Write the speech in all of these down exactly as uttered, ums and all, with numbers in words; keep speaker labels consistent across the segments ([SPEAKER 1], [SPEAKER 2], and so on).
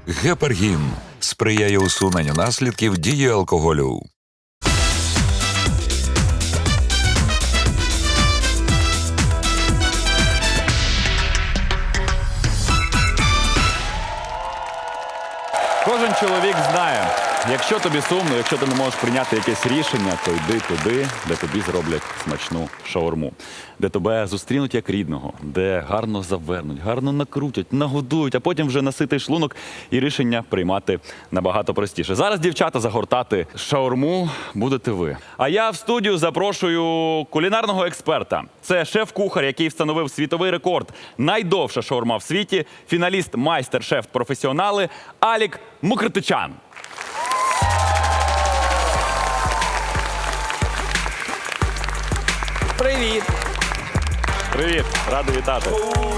[SPEAKER 1] Гепаргін сприяє усуненню наслідків дії алкоголю.
[SPEAKER 2] Кожен чоловік знає, якщо тобі сумно, якщо ти не можеш прийняти якесь рішення, то йди туди, де тобі зроблять смачну шаурму. Де тебе зустрінуть як рідного, де гарно завернуть, гарно накрутять, нагодують, а потім вже наситий шлунок і рішення приймати набагато простіше. Зараз, дівчата, загортати шаурму будете ви. А я в студію запрошую кулінарного експерта. Це шеф-кухар, який встановив світовий рекорд. Найдовша шаурма в світі, фіналіст майстер-шеф-професіонали Алік Мукртичан.
[SPEAKER 3] Привіт!
[SPEAKER 2] Привіт, радий вітати.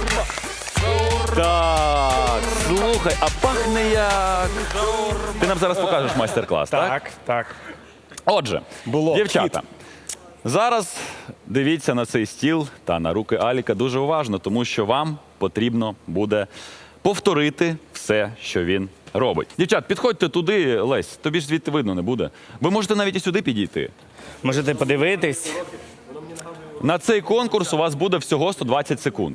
[SPEAKER 2] Так, слухай, а пахне як... Ти нам зараз покажеш майстер-клас, так?
[SPEAKER 3] Так, так.
[SPEAKER 2] Отже,
[SPEAKER 3] Було.
[SPEAKER 2] дівчата, зараз дивіться на цей стіл та на руки Аліка дуже уважно, тому що вам потрібно буде повторити все, що він робить. Дівчат, підходьте туди, Лесь, тобі ж звідти видно не буде. Ви можете навіть і сюди підійти.
[SPEAKER 3] Можете подивитись.
[SPEAKER 2] На цей конкурс у вас буде всього сто двадцять секунд.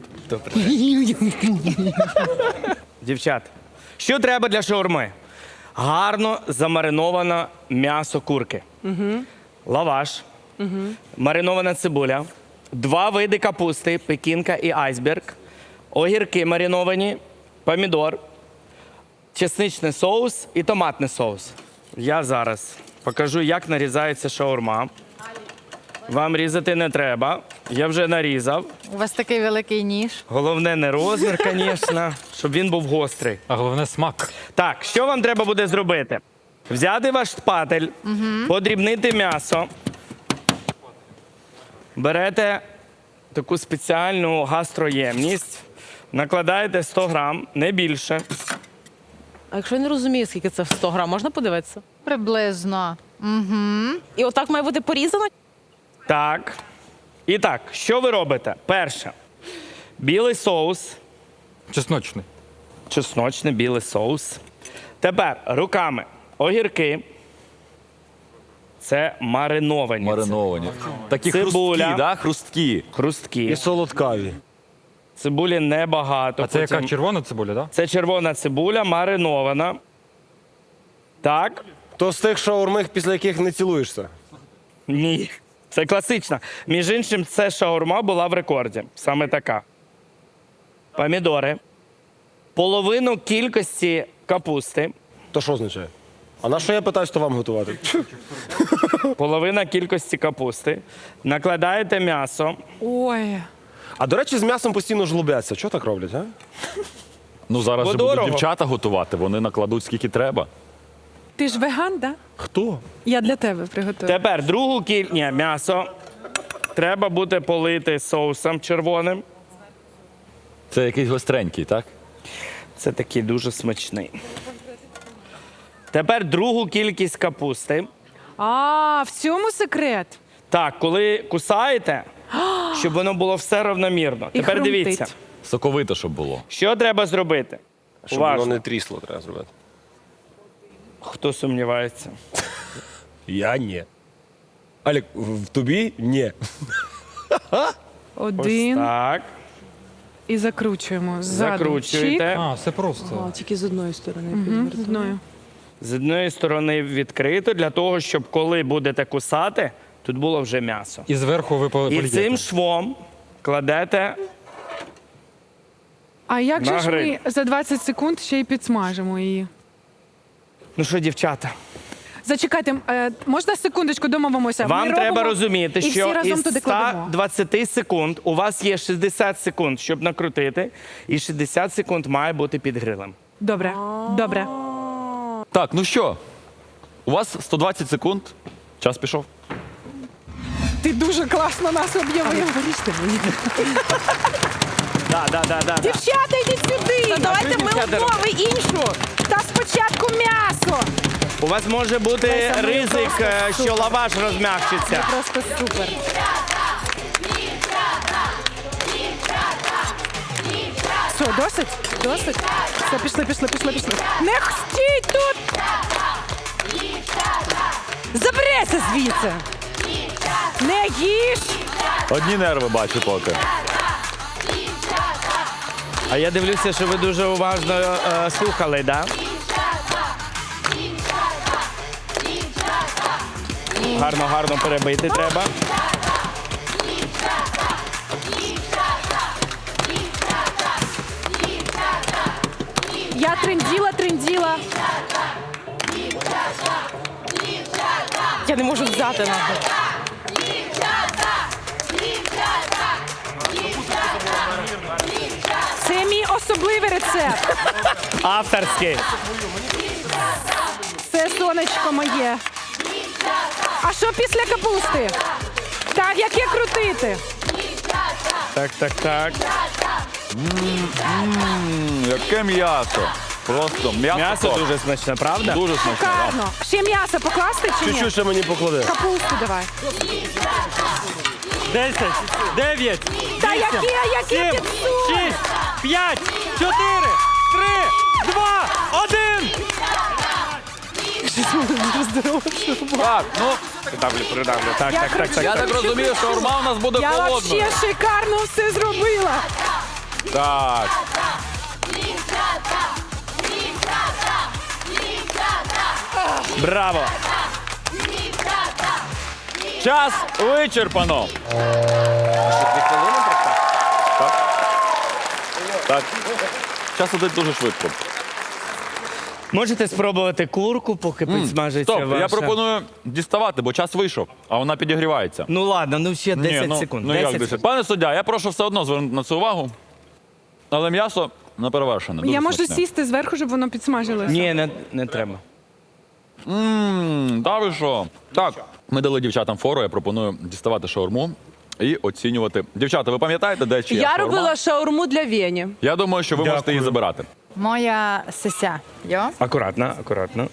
[SPEAKER 3] Дівчат, що треба для шаурми? Гарно замариноване м'ясо курки. Угу. Лаваш. Угу. Маринована цибуля. Два види капусти, пекінка і айсберг. Огірки мариновані, помідор, чесничний соус і томатний соус. Я зараз покажу, як нарізається шаурма. Вам різати не треба. Я вже нарізав.
[SPEAKER 4] У вас такий великий ніж.
[SPEAKER 3] Головне не розмір, звісно, щоб він був гострий.
[SPEAKER 5] А головне смак.
[SPEAKER 3] Так, що вам треба буде зробити? Взяти ваш шпатель, угу. подрібнити м'ясо. Берете таку спеціальну гастроємність, накладаєте сто грам, не більше.
[SPEAKER 6] А якщо я не розумію, скільки це в сто грам, можна подивитися?
[SPEAKER 4] Приблизно. Угу.
[SPEAKER 6] І отак має бути порізано?
[SPEAKER 3] Так. І так, що ви робите? Перше. Білий соус.
[SPEAKER 5] Чесночний.
[SPEAKER 3] Чесночний білий соус. Тепер руками огірки. Це мариновані.
[SPEAKER 2] Мариновані. Такі
[SPEAKER 3] Цибуля.
[SPEAKER 2] хрусткі, да? Хрусткі.
[SPEAKER 3] Хрусткі.
[SPEAKER 7] І солодкаві.
[SPEAKER 3] Цибулі небагато.
[SPEAKER 5] А це
[SPEAKER 3] Потім-
[SPEAKER 5] яка червона цибуля, так? Да?
[SPEAKER 3] Це червона цибуля, маринована. Так?
[SPEAKER 7] То з тих шаурмих, після яких не цілуєшся.
[SPEAKER 3] Ні. Це класична. Між іншим, це шаурма була в рекорді. Саме така. Помідори. Половину кількості капусти.
[SPEAKER 7] То що означає? А на що я питаюсь, то вам готувати?
[SPEAKER 3] Половина кількості капусти. Накладаєте м'ясо.
[SPEAKER 6] Ой.
[SPEAKER 7] А до речі, з м'ясом постійно жлобяться. Чого так роблять, а?
[SPEAKER 2] Ну зараз
[SPEAKER 3] Бо
[SPEAKER 2] же будуть
[SPEAKER 3] дорого.
[SPEAKER 2] дівчата готувати, вони накладуть скільки треба.
[SPEAKER 6] Ти ж веган, да?
[SPEAKER 7] Хто?
[SPEAKER 6] Я для тебе приготую.
[SPEAKER 3] Тепер другу кількість Ні, м'ясо. Треба буде полити соусом червоним.
[SPEAKER 2] Це якийсь гостренький, так?
[SPEAKER 3] Це такий дуже смачний. Тепер другу кількість капусти.
[SPEAKER 6] А, в цьому секрет.
[SPEAKER 3] Так, коли кусаєте, щоб воно було все равномірно.
[SPEAKER 6] І
[SPEAKER 3] Тепер
[SPEAKER 6] хрумтить.
[SPEAKER 3] дивіться,
[SPEAKER 2] Соковито, щоб було.
[SPEAKER 3] що треба зробити.
[SPEAKER 7] Щоб
[SPEAKER 3] Уважно.
[SPEAKER 7] воно не трісло, треба зробити.
[SPEAKER 3] Хто сумнівається?
[SPEAKER 7] Я ні. Алік, в тобі ні.
[SPEAKER 3] Ось
[SPEAKER 6] Один.
[SPEAKER 3] так.
[SPEAKER 6] І закручуємо. Ззаду.
[SPEAKER 3] Закручуєте.
[SPEAKER 5] А, все просто.
[SPEAKER 8] Тільки з одної сторони
[SPEAKER 6] Чик. Мгм, з одною.
[SPEAKER 3] З одної сторони відкрито, для того, щоб коли будете кусати, тут було вже м'ясо.
[SPEAKER 5] І зверху ви
[SPEAKER 3] І
[SPEAKER 5] полієте.
[SPEAKER 3] цим швом кладете.
[SPEAKER 6] А як же ж ми
[SPEAKER 3] Нагрій.
[SPEAKER 6] за двадцять секунд ще й підсмажимо її?
[SPEAKER 3] Ну що, дівчата,
[SPEAKER 6] Зачекайте, е, можна секундочку домовимося?
[SPEAKER 3] вам
[SPEAKER 6] Ми
[SPEAKER 3] треба
[SPEAKER 6] робимо
[SPEAKER 3] розуміти,
[SPEAKER 6] і всі
[SPEAKER 3] що
[SPEAKER 6] разом
[SPEAKER 3] із
[SPEAKER 6] туди кладемо.
[SPEAKER 3] ста двадцяти секунд у вас є шістдесят секунд, щоб накрутити, і шістдесят секунд має бути під грилем.
[SPEAKER 6] Добре, добре.
[SPEAKER 2] Так, ну що? У вас сто двадцять секунд. Час пішов.
[SPEAKER 6] Ти дуже класно нас об'явив.
[SPEAKER 3] Да, да, да, да, да.
[SPEAKER 6] Дівчата, йдіть сюди!
[SPEAKER 3] Та давайте ми
[SPEAKER 6] умови іншу! Та спочатку м'ясо!
[SPEAKER 3] У вас може бути
[SPEAKER 6] Леся, ми
[SPEAKER 3] ризик,
[SPEAKER 6] просто
[SPEAKER 3] е, що
[SPEAKER 6] супер.
[SPEAKER 3] лаваш розм'якшиться.
[SPEAKER 6] Просто супер.
[SPEAKER 8] Все, досить? Досить? Все, пішли, пішли, пішли, пішли. Не стій тут! Заберися звідси! Не їж!
[SPEAKER 2] Одні нерви бачу поки.
[SPEAKER 3] А я дивлюся, що ви дуже уважно е, слухали, да? Гарно, гарно перебити треба.
[SPEAKER 8] Я тренділа, тренділа.
[SPEAKER 6] Я не можу взяти нахуй.
[SPEAKER 8] Це мій особливий рецепт.
[SPEAKER 3] Авторський.
[SPEAKER 8] Це сонечко моє. А що після капусти? Так, як є крутити?
[SPEAKER 3] Так, так, так.
[SPEAKER 2] М, Яке м'ясо. Просто м'ясо.
[SPEAKER 3] М'ясо
[SPEAKER 2] топ.
[SPEAKER 3] дуже смачне, правда?
[SPEAKER 2] Дуже смачне. да.
[SPEAKER 8] Шикарно. Ще м'ясо покласти чи ні?
[SPEAKER 7] Чуть-чуть ще мені поклади.
[SPEAKER 8] Капусту давай.
[SPEAKER 5] Десять, дев'ять,
[SPEAKER 8] Та яке, яке підсуд?
[SPEAKER 5] п'ять, чотири, три, два, один.
[SPEAKER 2] Так, ну,
[SPEAKER 3] Придавлю, придавлю. Так,
[SPEAKER 8] Я
[SPEAKER 3] так, так, так.
[SPEAKER 2] я
[SPEAKER 3] так.
[SPEAKER 2] так розумію, що шаурма у нас буде
[SPEAKER 8] Я
[SPEAKER 2] холодною.
[SPEAKER 8] вообще шикарно все зробила.
[SPEAKER 2] Так.
[SPEAKER 3] Браво!
[SPEAKER 2] Час вичерпано. Так. Так. Час іде дуже швидко.
[SPEAKER 3] Можете спробувати курку, поки підсмажиться
[SPEAKER 2] Стоп,
[SPEAKER 3] ваша.
[SPEAKER 2] я пропоную діставати, бо час вийшов, а вона підігрівається.
[SPEAKER 3] Ну ладно, ну ще десять
[SPEAKER 2] Ні, ну,
[SPEAKER 3] секунд.
[SPEAKER 2] Ну,
[SPEAKER 3] десять
[SPEAKER 2] як десять?
[SPEAKER 3] секунд.
[SPEAKER 2] Пане суддя, я прошу все одно звернути на це увагу. Але м'ясо не перевершене. дуже
[SPEAKER 8] Я можу
[SPEAKER 2] смачне.
[SPEAKER 8] сісти зверху, щоб воно підсмажилося.
[SPEAKER 3] Ні, не, не треба.
[SPEAKER 2] Ммм, та ви що? Так, ми дали дівчатам фору, я пропоную діставати шаурму і оцінювати. Дівчата, ви пам'ятаєте, де чия
[SPEAKER 6] Я
[SPEAKER 2] шаурма?
[SPEAKER 6] робила шаурму для Вені.
[SPEAKER 2] Я думаю, що ви можете її забирати.
[SPEAKER 4] Моя сися. Йо?
[SPEAKER 3] Акуратно, акуратно.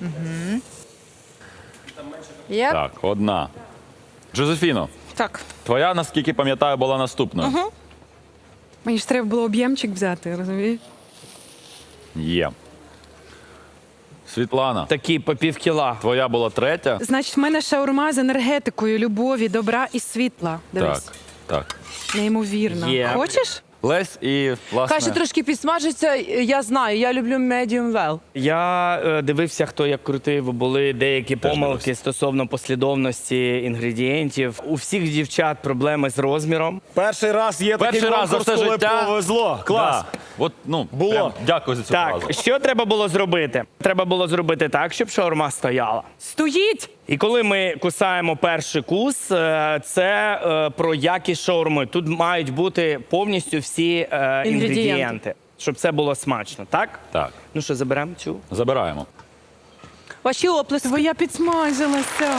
[SPEAKER 4] Єп.
[SPEAKER 2] Так, одна. Джозефіно,
[SPEAKER 8] Так.
[SPEAKER 2] твоя, наскільки пам'ятаю, була наступною.
[SPEAKER 8] Мені ж треба було об'ємчик взяти, розумієш?
[SPEAKER 2] Є. Світлана,
[SPEAKER 3] Такі по пів кіла.
[SPEAKER 2] твоя була третя.
[SPEAKER 8] Значить, в мене шаурма з енергетикою любові, добра і світла. Дивись.
[SPEAKER 2] Так, так.
[SPEAKER 8] Неймовірно.
[SPEAKER 3] Є.
[SPEAKER 8] Хочеш?
[SPEAKER 2] Лесь і, власне,
[SPEAKER 6] Хай ще трошки підсмажиться, я знаю, я люблю medium well.
[SPEAKER 3] Я е, дивився, хто як крутив. Були деякі помилки
[SPEAKER 2] дивився.
[SPEAKER 3] стосовно послідовності інгредієнтів. У всіх дівчат проблеми з розміром.
[SPEAKER 7] Перший раз є
[SPEAKER 2] перший
[SPEAKER 7] такий
[SPEAKER 2] раз за
[SPEAKER 7] конкурс,
[SPEAKER 2] все
[SPEAKER 7] коли
[SPEAKER 2] життя.
[SPEAKER 7] повезло. Клас.
[SPEAKER 2] Да. От, ну,
[SPEAKER 7] Було.
[SPEAKER 2] прям дякую за цю
[SPEAKER 3] Так,
[SPEAKER 2] фразу.
[SPEAKER 3] що треба було зробити? Треба було зробити так, щоб шаурма стояла.
[SPEAKER 8] Стоїть!
[SPEAKER 3] І коли ми кусаємо перший кус, е, це е, про якість шаурми. Тут мають бути повністю всі е,
[SPEAKER 6] Інгредієнти.
[SPEAKER 3] інгредієнти, щоб це було смачно, так?
[SPEAKER 2] Так,
[SPEAKER 3] Ну що, заберемо цю?
[SPEAKER 2] забираємо.
[SPEAKER 6] Ваші оплески.
[SPEAKER 8] Твоя підсмажилася.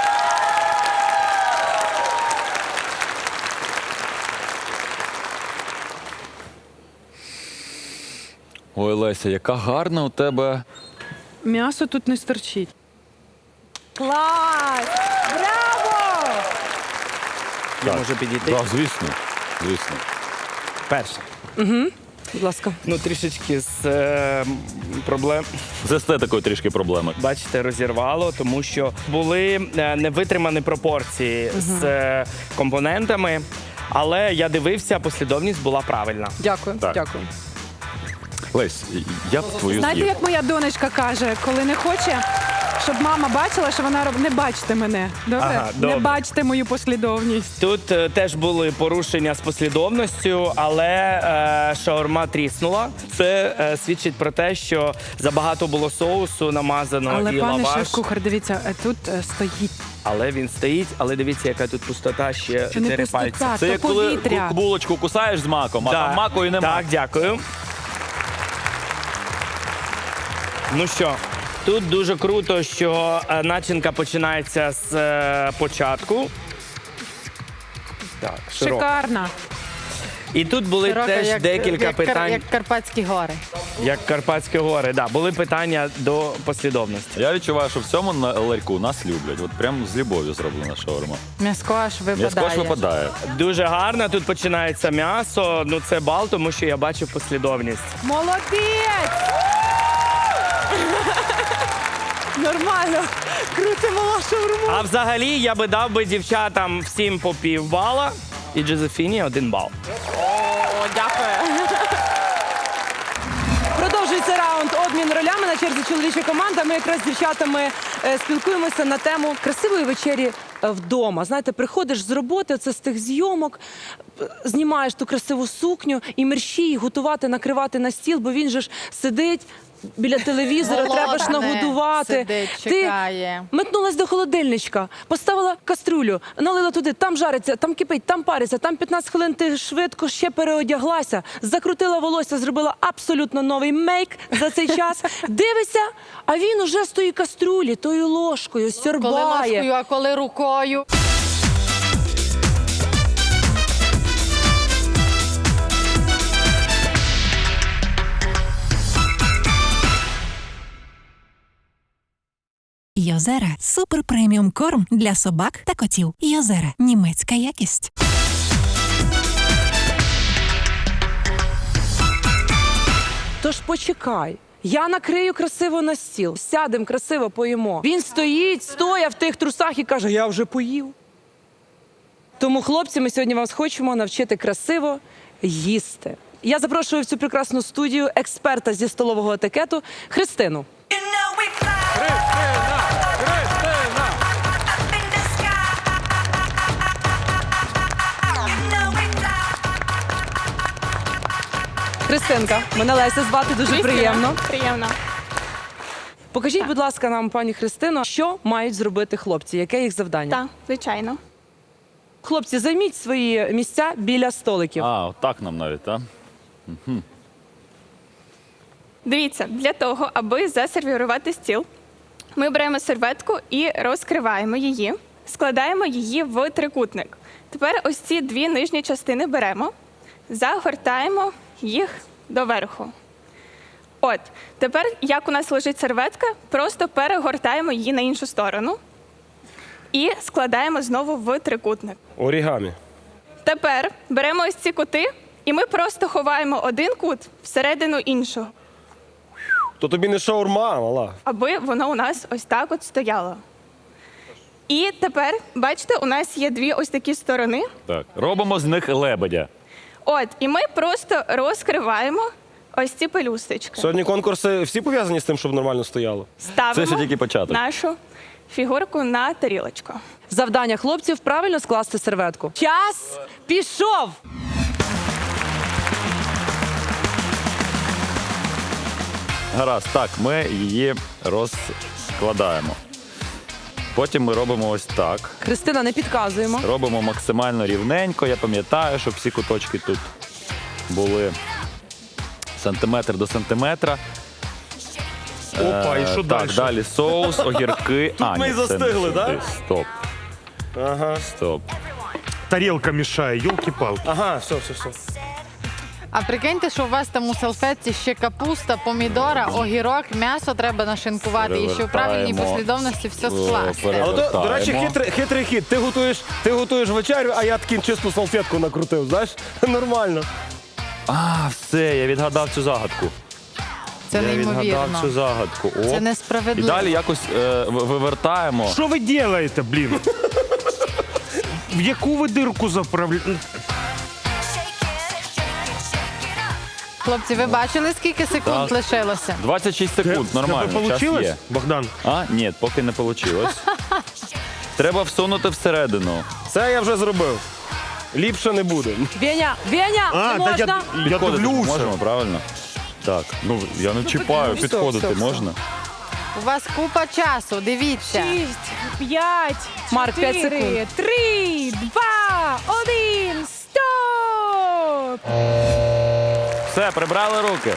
[SPEAKER 2] Ой, Леся, яка гарна у тебе.
[SPEAKER 8] М'ясо тут не стерчить. Клас! Браво!
[SPEAKER 3] Я можу підійти?
[SPEAKER 2] Так, звісно. Звісно.
[SPEAKER 3] Перше.
[SPEAKER 6] Будь ласка.
[SPEAKER 3] Ну, трішечки з е, м, проблем.
[SPEAKER 2] З естетикою трішки проблеми.
[SPEAKER 3] Бачите, розірвало, тому що були е, невитримані пропорції з е, компонентами. Але я дивився, послідовність була правильна.
[SPEAKER 6] Дякую,
[SPEAKER 2] Так.
[SPEAKER 6] дякую.
[SPEAKER 2] Лесь, я б твою
[SPEAKER 8] Знаєте,
[SPEAKER 2] з'їв.
[SPEAKER 8] як моя донечка каже, коли не хоче, щоб мама бачила, що вона робить. Не бачте мене. Добре?
[SPEAKER 3] Ага, добре.
[SPEAKER 8] Не бачте мою послідовність.
[SPEAKER 3] Тут е, теж були порушення з послідовністю, але е, шаурма тріснула. Це е, свідчить про те, що забагато було соусу намазано
[SPEAKER 8] Але
[SPEAKER 3] і
[SPEAKER 8] пане
[SPEAKER 3] лаваш.
[SPEAKER 8] шеф-кухар, дивіться, е, тут е, стоїть.
[SPEAKER 3] Але він стоїть, але дивіться, яка тут пустота, ще
[SPEAKER 8] Чи не
[SPEAKER 3] чотири
[SPEAKER 8] пустота,
[SPEAKER 3] пальці.
[SPEAKER 2] Це
[SPEAKER 8] то
[SPEAKER 2] як коли
[SPEAKER 8] повітря.
[SPEAKER 2] ку- булочку кусаєш з маком, а
[SPEAKER 3] Да.
[SPEAKER 2] там маку і нема.
[SPEAKER 3] Так, дякую. Ну що, тут дуже круто, що е, начинка починається з е, початку. Так, широко.
[SPEAKER 8] Шикарна.
[SPEAKER 3] І тут були
[SPEAKER 4] Широка,
[SPEAKER 3] теж
[SPEAKER 4] як,
[SPEAKER 3] декілька
[SPEAKER 4] як, Кар-
[SPEAKER 3] питань.
[SPEAKER 4] як Карпатські гори.
[SPEAKER 3] Як Карпатські гори, да. Були питання до послідовності.
[SPEAKER 2] Я відчуваю, що в цьому на- ларьку нас люблять. От прям з любов'ю зроблена шаурма.
[SPEAKER 4] М'яско аж випадає.
[SPEAKER 2] М'яско ж випадає.
[SPEAKER 3] Дуже гарно, тут починається м'ясо. Ну це бал, тому що я бачив послідовність.
[SPEAKER 8] Молодець! Нормально. Крутимо шаурму.
[SPEAKER 3] А взагалі я би дав би дівчатам всім по пів бала і Джозефіні один бал.
[SPEAKER 6] О, дякую.
[SPEAKER 8] Продовжується раунд обмін ролями. На черзі чоловіча команда. Ми якраз з дівчатами е, спілкуємося на тему красивої вечері е, вдома. Знаєте, приходиш з роботи, це з тих зйомок, е, знімаєш ту красиву сукню і мерщій готувати, накривати на стіл, бо він же ж сидить біля телевізора, треба ж
[SPEAKER 4] Голодне,
[SPEAKER 8] нагодувати.
[SPEAKER 4] сидить,
[SPEAKER 8] Ти
[SPEAKER 4] чекає.
[SPEAKER 8] метнулась до холодильничка, поставила каструлю, налила туди, там жариться, там кипить, там париться, там п'ятнадцять хвилин ти швидко ще переодяглася, закрутила волосся, зробила абсолютно новий мейк за цей час. Дивишся, а він уже з тої каструлі, тою ложкою,
[SPEAKER 4] Коли
[SPEAKER 8] сьорбає.
[SPEAKER 4] ложкою, а коли рукою.
[SPEAKER 9] Йозера – супер преміум корм для собак та котів. Йозера – німецька якість.
[SPEAKER 8] Тож почекай. Я накрию красиво на стіл, сядем красиво поїмо. Він стоїть, стоя в тих трусах і каже, я вже поїв. Тому, хлопці, ми сьогодні вас хочемо навчити красиво їсти. Я запрошую в цю прекрасну студію експерта зі столового етикету Христину. Христинка, мене Леся звати, дуже приємно.
[SPEAKER 10] Приємно.
[SPEAKER 8] Покажіть, будь ласка, нам, пані Христино, що мають зробити хлопці, яке їх завдання?
[SPEAKER 10] Так, звичайно.
[SPEAKER 8] Хлопці, займіть свої місця біля столиків.
[SPEAKER 2] А, отак нам навіть, так?
[SPEAKER 10] Дивіться, для того, аби засервірувати стіл, ми беремо серветку і розкриваємо її, складаємо її в трикутник. Тепер ось ці дві нижні частини беремо, загортаємо їх доверху. От, тепер, як у нас лежить серветка, просто перегортаємо її на іншу сторону і складаємо знову в трикутник.
[SPEAKER 7] Орігамі.
[SPEAKER 10] Тепер беремо ось ці кути, і ми просто ховаємо один кут всередину іншого,
[SPEAKER 7] То тобі не шаурма, мала.
[SPEAKER 10] аби воно у нас ось так от стояло. І тепер, бачите, у нас є дві ось такі сторони.
[SPEAKER 2] Так. Робимо з них лебедя.
[SPEAKER 10] От, і ми просто розкриваємо ось ці пелюсточки.
[SPEAKER 7] Сьогодні конкурси всі пов'язані з тим, щоб нормально стояло.
[SPEAKER 10] Ставимо
[SPEAKER 2] Це ще тільки початок.
[SPEAKER 10] нашу фігурку на тарілочку.
[SPEAKER 8] Завдання хлопців – правильно скласти серветку. Час пішов!
[SPEAKER 2] Гаразд, так, ми її розкладаємо. Потім ми робимо ось так.
[SPEAKER 8] Христина, не підказуємо.
[SPEAKER 2] Робимо максимально рівненько. Я пам'ятаю, щоб всі куточки тут були сантиметр до сантиметра.
[SPEAKER 7] Опа, і що
[SPEAKER 2] Е,
[SPEAKER 7] далі?
[SPEAKER 2] Так, далі соус, огірки.
[SPEAKER 7] Тут
[SPEAKER 2] а,
[SPEAKER 7] ми
[SPEAKER 2] ні,
[SPEAKER 7] і
[SPEAKER 2] це не
[SPEAKER 7] застигли,
[SPEAKER 2] сюди.
[SPEAKER 7] да?
[SPEAKER 2] Стоп,
[SPEAKER 7] Ага.
[SPEAKER 2] стоп.
[SPEAKER 5] Тарілка мішає, йолки-палки.
[SPEAKER 7] Ага, все, все, все.
[SPEAKER 4] А прикиньте, що у вас там у салфетці ще капуста, помідора, огірок, м'ясо треба нашинкувати і ще в правильній
[SPEAKER 2] Перевертаємо.
[SPEAKER 4] послідовності все
[SPEAKER 2] О,
[SPEAKER 4] скласти.
[SPEAKER 7] Але то, до речі,
[SPEAKER 2] Вертаємо.
[SPEAKER 7] хитрий, хитрий хід. Ти готуєш, ти готуєш вечерю, а я таким чисту салфетку накрутив, знаєш? Нормально.
[SPEAKER 2] А, все, я відгадав цю загадку.
[SPEAKER 4] Це
[SPEAKER 2] я відгадав цю
[SPEAKER 4] неймовірно.
[SPEAKER 2] загадку. О.
[SPEAKER 4] Це
[SPEAKER 2] І
[SPEAKER 4] несправедливо.
[SPEAKER 2] далі якось е, в- вивертаємо.
[SPEAKER 5] Що ви робите, блін? В яку ви дирку заправляєте?
[SPEAKER 4] Хлопці, ви бачили, скільки секунд
[SPEAKER 2] Так.
[SPEAKER 4] лишилося?
[SPEAKER 2] двадцять шість секунд, нормально,
[SPEAKER 5] Тебе
[SPEAKER 2] час
[SPEAKER 5] получилось,
[SPEAKER 2] є.
[SPEAKER 5] Богдан?
[SPEAKER 2] А, ні, поки не вийшло. Треба всунути всередину.
[SPEAKER 7] Це я вже зробив. Ліпше не буде.
[SPEAKER 8] Веня, Веня, не
[SPEAKER 5] А,
[SPEAKER 8] можна?
[SPEAKER 5] так я, я
[SPEAKER 2] Підходити
[SPEAKER 5] дивлюся.
[SPEAKER 2] можемо, правильно? Так, ну я не чіпаю,
[SPEAKER 8] Стоп,
[SPEAKER 2] підходити
[SPEAKER 8] стоп, стоп.
[SPEAKER 2] можна?
[SPEAKER 4] У вас купа часу, дивіться.
[SPEAKER 8] Шість,
[SPEAKER 10] П'ять,
[SPEAKER 8] Марк, п'ять
[SPEAKER 10] чотири,
[SPEAKER 8] секунд.
[SPEAKER 10] три, два, один, стоп!
[SPEAKER 2] Все, прибрали руки.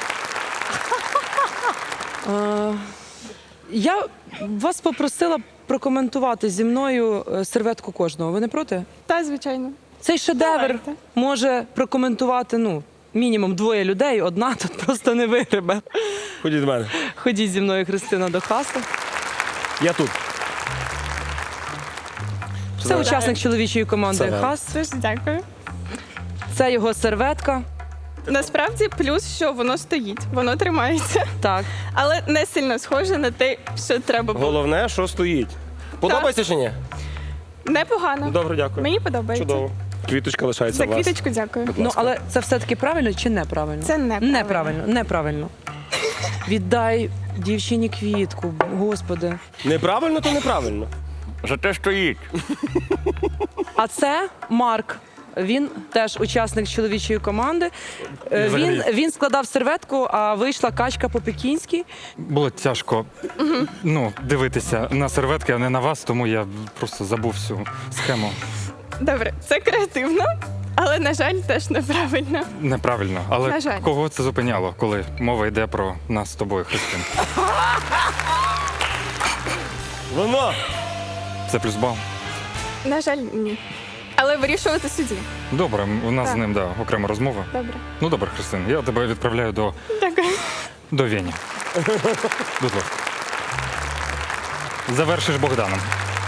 [SPEAKER 8] Я вас попросила прокоментувати зі мною е, серветку кожного. Ви не проти?
[SPEAKER 10] Та, звичайно.
[SPEAKER 8] Цей шедевр
[SPEAKER 10] Давайте.
[SPEAKER 8] може прокоментувати, ну, мінімум двоє людей, одна тут просто не вигребе.
[SPEAKER 7] Ходіть до мене.
[SPEAKER 8] Ходіть зі мною, Христина, до каси.
[SPEAKER 7] Я тут.
[SPEAKER 8] Це учасник чоловічої команди
[SPEAKER 7] Це
[SPEAKER 8] Хас.
[SPEAKER 10] Дуже дякую.
[SPEAKER 8] Це його серветка.
[SPEAKER 10] Насправді плюс, що воно стоїть, воно тримається,
[SPEAKER 8] Так.
[SPEAKER 10] але не сильно схоже на те, що треба було.
[SPEAKER 7] Головне, що стоїть. Подобається чи ні?
[SPEAKER 10] Непогано.
[SPEAKER 7] Добре, дякую.
[SPEAKER 10] Мені подобається.
[SPEAKER 7] Чудово. Квіточка лишається
[SPEAKER 10] За
[SPEAKER 7] у вас.
[SPEAKER 10] квіточку дякую.
[SPEAKER 8] Ну, але це все-таки правильно чи неправильно?
[SPEAKER 10] Це неправильно.
[SPEAKER 8] Неправильно, неправильно. Віддай дівчині квітку, господи.
[SPEAKER 7] Неправильно, то неправильно.
[SPEAKER 2] Зате стоїть.
[SPEAKER 8] А це Марк. Він теж учасник чоловічої команди. Е, Він, він складав серветку, а вийшла качка по-пекінськи.
[SPEAKER 5] Було тяжко ну, дивитися на серветки, а не на вас, тому я просто забув всю схему.
[SPEAKER 10] Добре, це креативно, але, на жаль, теж неправильно.
[SPEAKER 5] Неправильно.
[SPEAKER 10] На
[SPEAKER 5] Але
[SPEAKER 10] жаль.
[SPEAKER 5] кого це зупиняло, коли мова йде про нас з тобою, Христин?
[SPEAKER 7] Воно.
[SPEAKER 5] Це плюс бал.
[SPEAKER 10] На жаль, ні. Але вирішувати судді.
[SPEAKER 5] Добре, у нас
[SPEAKER 10] Так.
[SPEAKER 5] з ним да, окрема розмова.
[SPEAKER 10] Добре.
[SPEAKER 5] Ну добре, Христин, я тебе відправляю до,
[SPEAKER 10] Дякую.
[SPEAKER 5] до Вені. Будь ласка. Завершиш Богданом.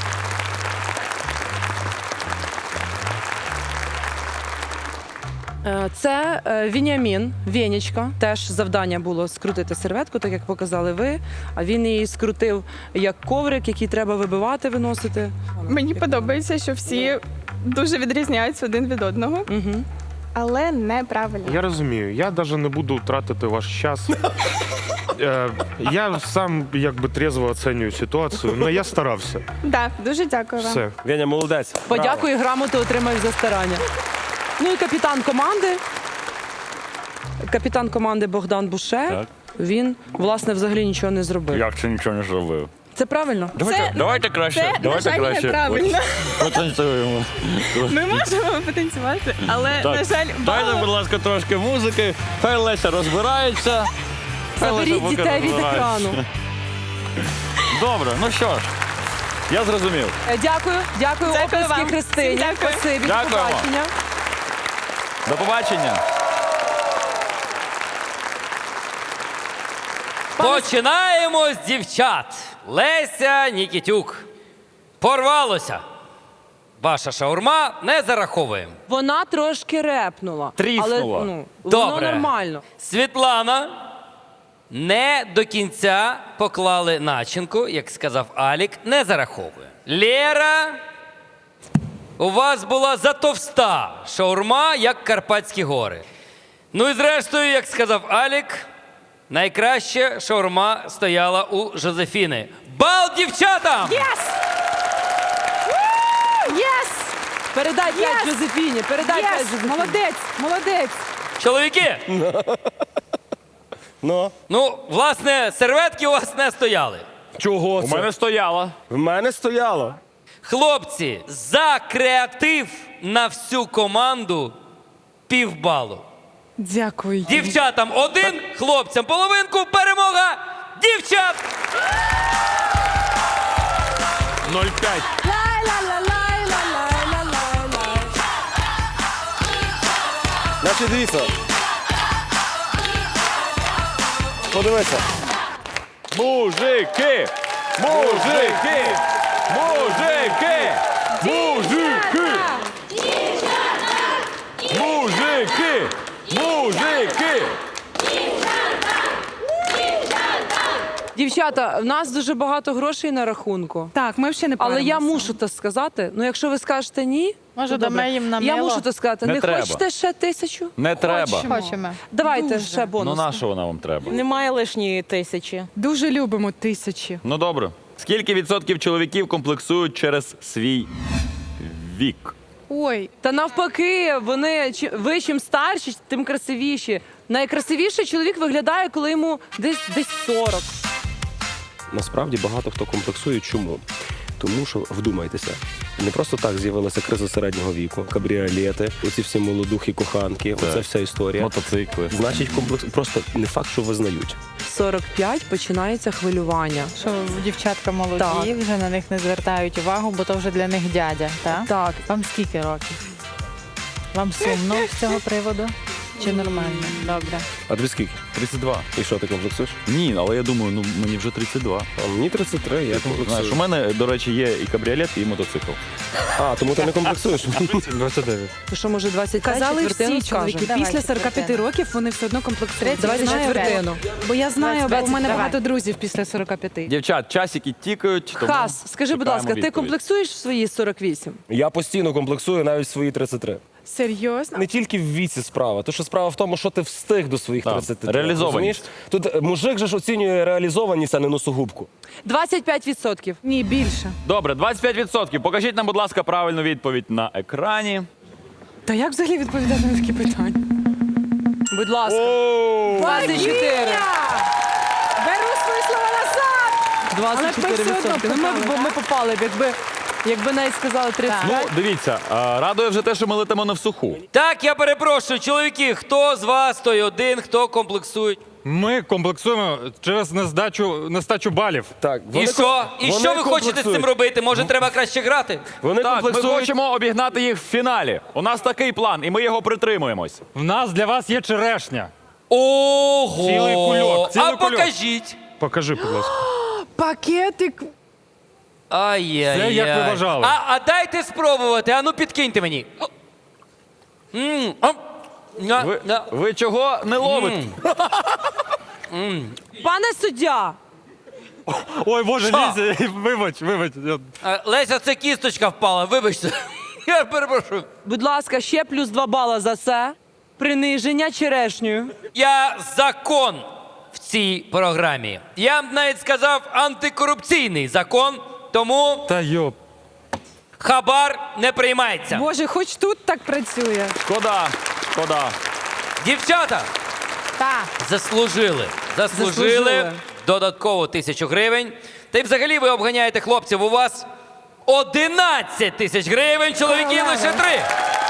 [SPEAKER 8] Е, Це е, Вінямін, Венечка. Теж завдання було скрутити серветку, так як показали ви. А він її скрутив як коврик, який треба вибивати, виносити.
[SPEAKER 10] Мені подобається, що всі дуже відрізняються один від одного,
[SPEAKER 8] Угу.
[SPEAKER 10] але неправильно.
[SPEAKER 11] Я розумію, я навіть не буду тратити ваш час. Е, Я сам якби трезво оцінюю ситуацію, але я старався.
[SPEAKER 10] Так, дуже дякую вам.
[SPEAKER 11] Все.
[SPEAKER 7] Веня, молодець.
[SPEAKER 8] Подякую, грамоту отримаєш за старання. Ну і капітан команди. Капітан команди Богдан Буше.
[SPEAKER 2] Так.
[SPEAKER 8] Він, власне, взагалі нічого не зробив.
[SPEAKER 2] Як це нічого не зробив?
[SPEAKER 8] Це правильно?
[SPEAKER 10] Це,
[SPEAKER 2] Давайте краще.
[SPEAKER 10] це, на
[SPEAKER 2] давайте
[SPEAKER 10] жаль,
[SPEAKER 2] краще.
[SPEAKER 10] неправильно.
[SPEAKER 2] Потанцюємо.
[SPEAKER 10] Ми можемо потанцювати, але, на жаль,
[SPEAKER 2] Дайте,
[SPEAKER 10] бал-
[SPEAKER 2] будь ласка, трошки музики. Хай Леся розбирається. Хай Леся
[SPEAKER 8] Заберіть
[SPEAKER 2] поки
[SPEAKER 8] дітей від
[SPEAKER 2] розбирається.
[SPEAKER 8] екрану.
[SPEAKER 2] Добре, ну що ж, я зрозумів.
[SPEAKER 8] Е, Дякую, дякую,
[SPEAKER 10] Дякую
[SPEAKER 8] оплески
[SPEAKER 10] вам.
[SPEAKER 8] Христині.
[SPEAKER 10] Всім дякую.
[SPEAKER 8] Спасибі, до
[SPEAKER 2] Дякуємо.
[SPEAKER 8] побачення.
[SPEAKER 2] До побачення.
[SPEAKER 12] Починаємо з дівчат. Леся Нікітюк. Порвалося. Ваша шаурма не зараховуємо.
[SPEAKER 8] Вона трошки репнула.
[SPEAKER 2] Тріснула.
[SPEAKER 8] Але, ну, воно
[SPEAKER 12] Добре.
[SPEAKER 8] нормально.
[SPEAKER 12] Світлана. Не до кінця поклали начинку, як сказав Алік, не зараховує. Лєра. У вас була затовста шаурма, як Карпатські гори. Ну і зрештою, як сказав Алік, найкраще шаурма стояла у Жозефіни. Бал дівчатам!
[SPEAKER 8] Єс! Єс! Передай п'ять Жозефіні, передай п'ять Жозефіні. Молодець, молодець.
[SPEAKER 12] Чоловіки,
[SPEAKER 7] Ну,
[SPEAKER 12] ну, власне, серветки у вас не стояли.
[SPEAKER 7] чого
[SPEAKER 2] У
[SPEAKER 7] це?
[SPEAKER 2] мене стояла.
[SPEAKER 7] В мене стояло.
[SPEAKER 12] Хлопці, за креатив на всю команду півбалу.
[SPEAKER 8] Дякую.
[SPEAKER 12] Дівчатам один, хлопцям половинку, перемога дівчат!
[SPEAKER 2] нуль п'ять.
[SPEAKER 7] Значить, дивіться. Подивися.
[SPEAKER 2] Мужики! Мужики! Мужики! Мужики! Мужики! Мужики!
[SPEAKER 8] Дівчата, в нас дуже багато грошей на рахунку.
[SPEAKER 6] Так, ми ще не
[SPEAKER 8] Але я
[SPEAKER 6] паримося.
[SPEAKER 8] мушу це сказати. Ну, якщо ви скажете ні,
[SPEAKER 4] Може,
[SPEAKER 8] то добре.
[SPEAKER 4] дамо їм на
[SPEAKER 8] Я
[SPEAKER 4] мило?
[SPEAKER 8] мушу це сказати.
[SPEAKER 2] Не
[SPEAKER 8] Не,
[SPEAKER 2] треба.
[SPEAKER 8] хочете ще тисячу?
[SPEAKER 2] Не треба.
[SPEAKER 4] Хочемо.
[SPEAKER 8] Давайте ще
[SPEAKER 2] Ну
[SPEAKER 8] бонус.
[SPEAKER 2] на що вона вам треба?
[SPEAKER 6] Немає лишньої тисячі.
[SPEAKER 11] Дуже любимо тисячі.
[SPEAKER 2] Ну добре. Скільки відсотків чоловіків комплексують через свій вік?
[SPEAKER 11] Ой,
[SPEAKER 8] Та навпаки, вони чи- ви чим старші, тим красивіші. Найкрасивіший чоловік виглядає, коли йому десь десь сорок.
[SPEAKER 7] Насправді багато хто комплексує. Чому? Тому що, вдумайтеся, не просто так з'явилася криза середнього віку, кабріолети, оці всі молодухи, коханки, оця вся історія.
[SPEAKER 2] Мотоцикли.
[SPEAKER 7] Значить, комплекс просто не факт, що визнають.
[SPEAKER 8] сорок п'ять починається хвилювання.
[SPEAKER 4] Що дівчатка молоді,
[SPEAKER 8] Так.
[SPEAKER 4] вже на них не звертають увагу, бо то вже для них дядя, так?
[SPEAKER 8] Так.
[SPEAKER 4] Вам скільки років? Вам сумно з цього приводу? Чи нормально? Добре.
[SPEAKER 7] А тобі скільки?
[SPEAKER 2] тридцять два.
[SPEAKER 7] І що, ти комплексуєш?
[SPEAKER 2] Ні, але я думаю, ну мені вже тридцять два.
[SPEAKER 7] А мені тридцять три, я комплексую.
[SPEAKER 2] Знаєш, у мене, до речі, є і кабріолет, і мотоцикл.
[SPEAKER 7] А, тому ти не комплексуєш?
[SPEAKER 5] двадцять дев'ять.
[SPEAKER 8] То що, може, двадцять п'ять
[SPEAKER 6] Казали
[SPEAKER 8] четвертину
[SPEAKER 6] всі чоловіки,
[SPEAKER 8] скажемо?
[SPEAKER 6] після сорок п'ять років вони все одно комплексують.
[SPEAKER 8] Давайте
[SPEAKER 6] Знаю,
[SPEAKER 8] четвертину.
[SPEAKER 6] Бо я знаю, бо у мене
[SPEAKER 4] Давай.
[SPEAKER 6] багато друзів після сорок п'ять.
[SPEAKER 2] Дівчат, часики тікають. Тому
[SPEAKER 8] Хас, скажи, будь
[SPEAKER 2] чекаємо
[SPEAKER 8] ласка, ти
[SPEAKER 2] відповідь.
[SPEAKER 8] комплексуєш в свої сорок вісім?
[SPEAKER 7] Я постійно комплексую навіть в свої тридцять три.
[SPEAKER 6] Серйозно?
[SPEAKER 7] Не тільки в віці справа, то що справа в тому, що ти встиг до своїх
[SPEAKER 2] Так,
[SPEAKER 7] тридцяти три.
[SPEAKER 2] реалізованість.
[SPEAKER 7] розумієш? Тут е, мужик же ж оцінює реалізованість, а не носогубку.
[SPEAKER 8] двадцять п'ять відсотків.
[SPEAKER 6] Ні, більше.
[SPEAKER 2] Добре, двадцять п'ять відсотків. Покажіть нам, будь ласка, правильну відповідь на екрані.
[SPEAKER 6] Та як взагалі відповідати на такі питання?
[SPEAKER 8] Будь ласка. двадцять чотири.
[SPEAKER 6] Беру свої слова назад!
[SPEAKER 8] двадцять чотири
[SPEAKER 6] все одно
[SPEAKER 8] відсотки. Ну, ми,
[SPEAKER 6] попали,
[SPEAKER 8] б- ми
[SPEAKER 6] так?
[SPEAKER 8] попали б, якби, якби навіть сказали тридцять
[SPEAKER 2] Ну,
[SPEAKER 8] п'ять.
[SPEAKER 2] дивіться, а, радує вже те, що ми летимо не в суху.
[SPEAKER 12] Так, я перепрошую, чоловіки, хто з вас той один, хто комплексує?
[SPEAKER 5] Ми комплексуємо через нездачу, нестачу балів.
[SPEAKER 7] Так,
[SPEAKER 12] І що? І що ви хочете з цим робити? Може, треба краще грати?
[SPEAKER 7] Вони
[SPEAKER 2] Так, ми
[SPEAKER 7] комплексують.
[SPEAKER 2] хочемо обігнати їх в фіналі. У нас такий план, і ми його притримуємось.
[SPEAKER 5] В нас для вас є черешня.
[SPEAKER 12] Ого!
[SPEAKER 5] Цілий кульок, цілий
[SPEAKER 12] а
[SPEAKER 5] кульок.
[SPEAKER 12] покажіть.
[SPEAKER 11] Покажи, будь ласка.
[SPEAKER 6] Пакетик.
[SPEAKER 12] Ай-яй-яй.
[SPEAKER 5] Це як ви вважали.
[SPEAKER 12] А, а дайте спробувати, а ну підкиньте мені. М, а, на,
[SPEAKER 2] Ви,
[SPEAKER 12] на.
[SPEAKER 2] ви чого не ловите?
[SPEAKER 8] Пане суддя,
[SPEAKER 5] Ой, Боже,
[SPEAKER 12] Що?
[SPEAKER 5] Лізя, вибач, вибач. Я-
[SPEAKER 12] А, Леся, це кісточка впала, вибачте. Я перепрошую.
[SPEAKER 8] будь ласка, ще плюс два бала за це. Приниження черешнею.
[SPEAKER 12] Я закон в цій програмі. Я б навіть сказав антикорупційний закон, тому
[SPEAKER 5] Та йоп.
[SPEAKER 12] хабар не приймається.
[SPEAKER 6] Боже, хоч тут так працює.
[SPEAKER 2] Шкода, шкода.
[SPEAKER 12] Дівчата
[SPEAKER 4] Так.
[SPEAKER 12] заслужили. Заслужили,
[SPEAKER 8] Заслужили.
[SPEAKER 12] додатково тисячу гривень. Та й взагалі ви обганяєте хлопців. У вас одинадцять тисяч гривень, чоловіків лише три.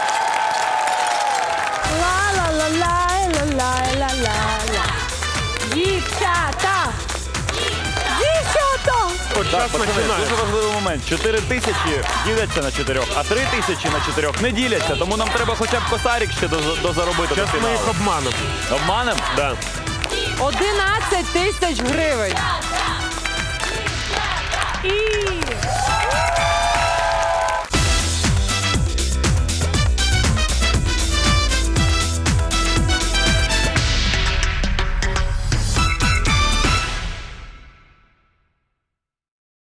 [SPEAKER 6] Дівчата! Дівчата!
[SPEAKER 11] От
[SPEAKER 2] Так,
[SPEAKER 11] час
[SPEAKER 2] пацани,
[SPEAKER 11] починає.
[SPEAKER 2] дуже важливий момент. Чотири тисячі діляться на чотирьох, а три тисячі на чотирьох не діляться. Тому нам треба хоча б косарик ще доз- дозаробити до
[SPEAKER 11] Зараз ми
[SPEAKER 2] фіналу.
[SPEAKER 11] їх обманемо.
[SPEAKER 2] Обманем?
[SPEAKER 11] Да.
[SPEAKER 8] одинадцять тисяч гривень.